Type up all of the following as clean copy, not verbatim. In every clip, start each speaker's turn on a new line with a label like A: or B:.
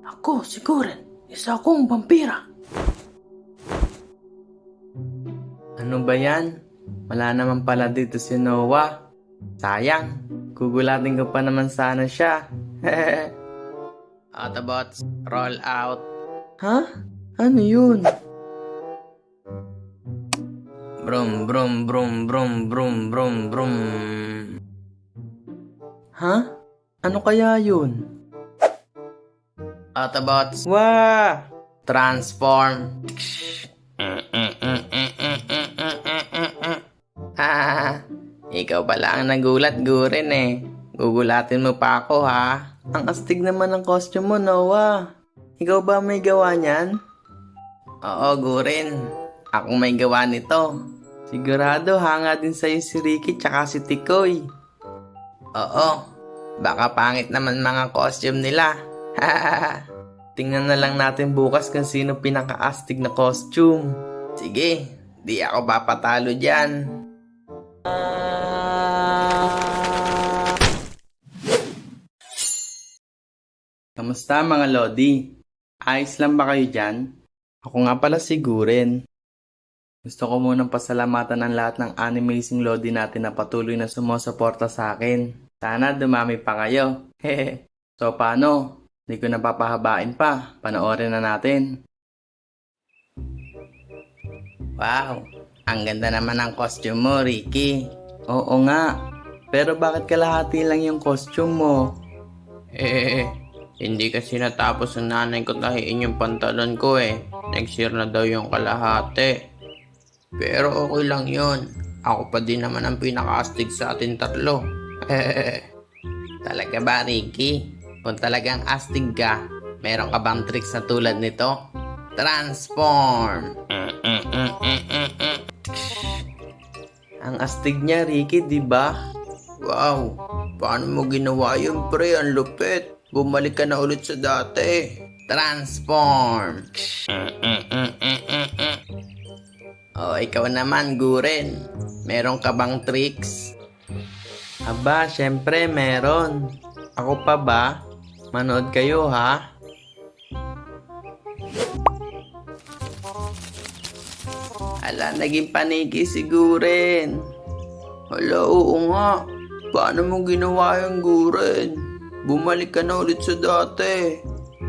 A: Ako, siguro, isa akong vampira. Ano ba yan? Wala naman pala dito si Noah. Sayang, gugulatin ko pa naman sana siya. Autobots, roll out. Ha? Ano yun? Brum brum brum brum brum brum brum. Ha? Ano kaya yun? Autobots, wah! Transform. Ikaw pala ang nagulat, Guren eh. Gugulatin mo pa ako ha. Ang astig naman ng costume mo, Noah. Ikaw ba may gawa niyan? Oo, Guren. Ako may gawa nito. Sigurado hanga din sa'yo si Ricky tsaka si Tikoy. Oo. Baka pangit naman mga costume nila. Tingnan na lang natin bukas kung sino pinaka-astig na costume. Sige, di ako papatalo dyan. Kamusta mga Lodi? Ayos lang ba kayo dyan? Ako nga pala si Guren. Gusto ko munang pasalamatan ang lahat ng animazing Lodi natin na patuloy na sumusuporta sa akin. Sana dumami pa kayo. So paano? Hindi ko napapahabain pa. Panoorin na natin. Wow! Ang ganda naman ng costume mo, Ricky. Oo nga. Pero bakit kalahati lang yung costume mo? Hindi kasi natapos ng nanay ko tahiin yung pantalon ko eh. Next year na daw yung kalahati. Pero okay lang yun. Ako pa din naman ang pinaka-astig sa atin tatlo. Talaga ba, Ricky? Kung talagang astig ka, meron ka bang tricks na tulad nito? Transform! Ang astig niya, Ricky, di ba? Wow! Paano mo ginawa yun, pre? Ang lupit! Bumalik ka na ulit sa dati. Transform! Oh, ikaw naman, Guren. Meron ka bang tricks? Aba, syempre meron. Ako pa ba? Manood kayo, ha? Ala, naging paniki si Guren. Hala, oo nga. Paano mo ginawa yung Guren? Bumalik ka na ulit sa dati.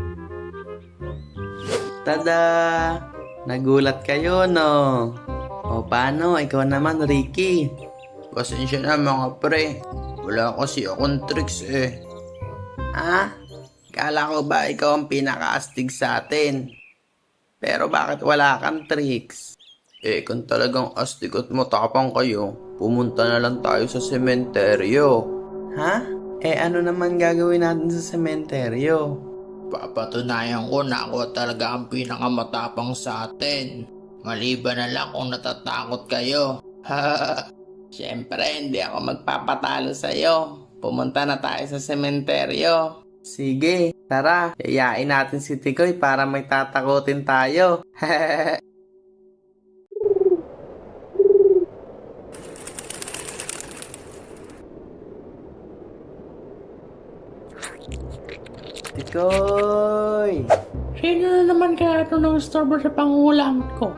A: Tada! Nagulat kayo, no? O paano? Ikaw naman, Ricky. Pasensya na mga pre. Wala kasi akong tricks eh. Ha? Kala ko ba ikaw ang pinaka-astig sa atin? Pero bakit wala kang tricks? Eh, kung talagang astig at matapang kayo, pumunta na lang tayo sa sementeryo. Ha? Eh, ano naman gagawin natin sa sementeryo? Papatunayan ko na ako talaga ang pinakamatapang sa atin. Maliban na lang kung natatakot kayo. Siyempre, hindi ako magpapatalo sa'yo. Pumunta na tayo sa sementeryo. Sige, tara. Yayain natin si Tikoy para may tatakutin tayo. Tikoy!
B: Sino na naman kaya ito ng istorbo sa pangulam ko?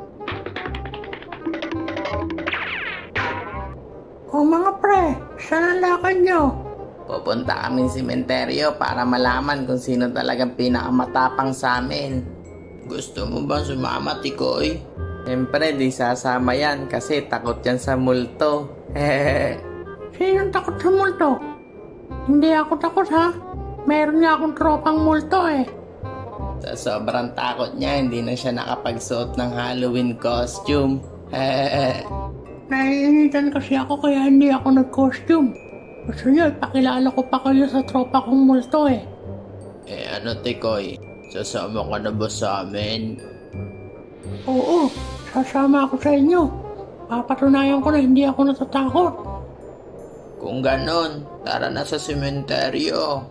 B: O mga pre, saan ang lakad nyo?
A: Pupunta kami sa sementeryo para malaman kung sino talagang pinakamatapang sa amin. Gusto mo ba sumama, Tikoy? Siyempre, di sasama yan kasi takot yan sa multo.
B: Sinong takot sa multo? Hindi ako takot ha. Meron nga akong tropang multo eh.
A: Sa sobrang takot niya, hindi na siya nakapagsuot ng Halloween costume.
B: Naiinitan kasi ako kaya hindi ako nag-costume. Gusto niyo, ipakilala ko pa kayo sa tropa kong multo eh.
A: Eh ano, Tikoy? Sasama ka na ba sa amin?
B: Oo, sasama ako sa inyo. Papatunayan ko na hindi ako natatakot.
A: Kung ganon, tara na sa sementeryo.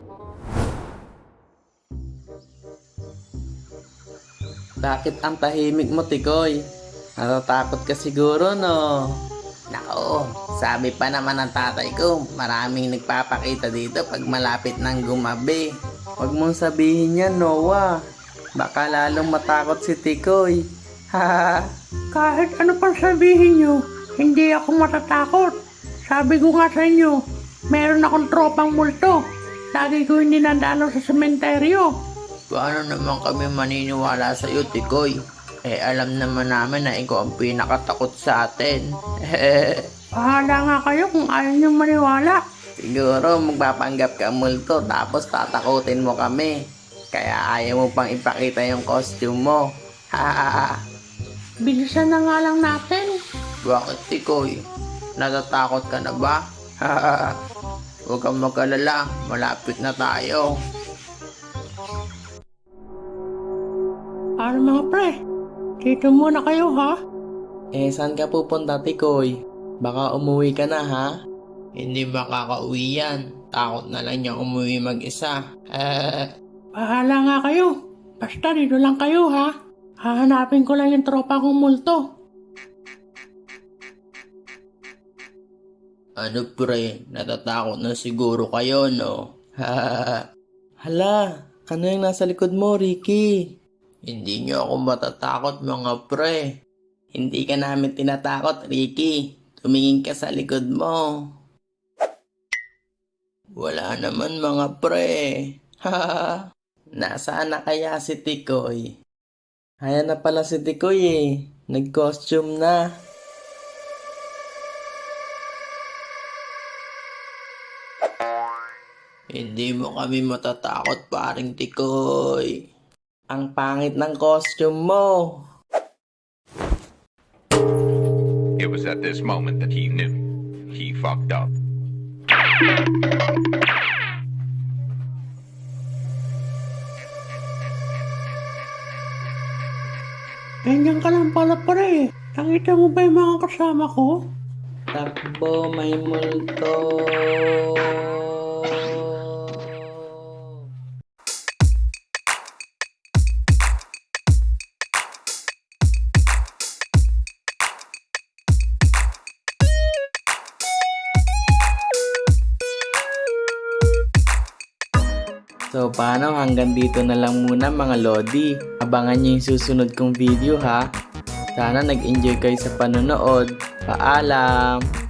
A: Bakit ang tahimik mo, Tikoy? Natatakot ka siguro, no? Nako, sabi pa naman ng tatay ko, maraming nagpapakita dito pag malapit ng gumabi. Huwag mong sabihin yan, Noah. Baka lalong matakot si Tikoy. Ha.
B: Kahit ano pang sabihin nyo, hindi ako matatakot. Sabi ko nga sa inyo, meron akong tropang multo. Lagi ko hindi nadalo sa sementeryo.
A: Paano naman kami maniniwala sa iyo, Tikoy? Alam naman namin na ikaw ang pinakatakot sa atin.
B: Bahala nga kayo kung ayaw nyo maniwala.
A: Siguro magpapanggap ka multo tapos tatakutin mo kami. Kaya ayaw mo pang ipakita yung costume mo.
B: Bilisan na nga lang natin.
A: Bakit, Tikoy? Natatakot ka na ba? Huwag kang mag-alala, malapit na tayo.
B: Ano mga pre? Dito muna kayo ha?
A: Saan ka pupunta, Tikoy? Baka umuwi ka na, ha? Hindi makakauwi yan. Takot na lang niya umuwi mag-isa.
B: Bahala nga kayo. Basta dito lang kayo ha. Hahanapin ko lang yung tropa kong multo.
A: Ano pre, natatakot na siguro kayo, no? Hala, ano yung nasa likod mo, Ricky? Hindi niyo ako matatakot, mga pre. Hindi ka namin tinatakot, Ricky. Tumingin ka sa likod mo. Wala naman, mga pre. Nasaan na kaya si Tikoy? Ayan na pala si Tikoy eh. Nag-costume na. Hindi mo kami matatakot, paring Tikoy. Ang pangit ng costume mo.
C: It was at this moment that he knew he fucked up.
B: Ganyan ka lang pala pre. Nakita mo ba yung mga kasama ko?
A: Takbo, may multo. So paano, hanggang dito na lang muna mga Lodi. Abangan nyo yung susunod kong video ha. Sana nag-enjoy kayo sa panonood. Paalam!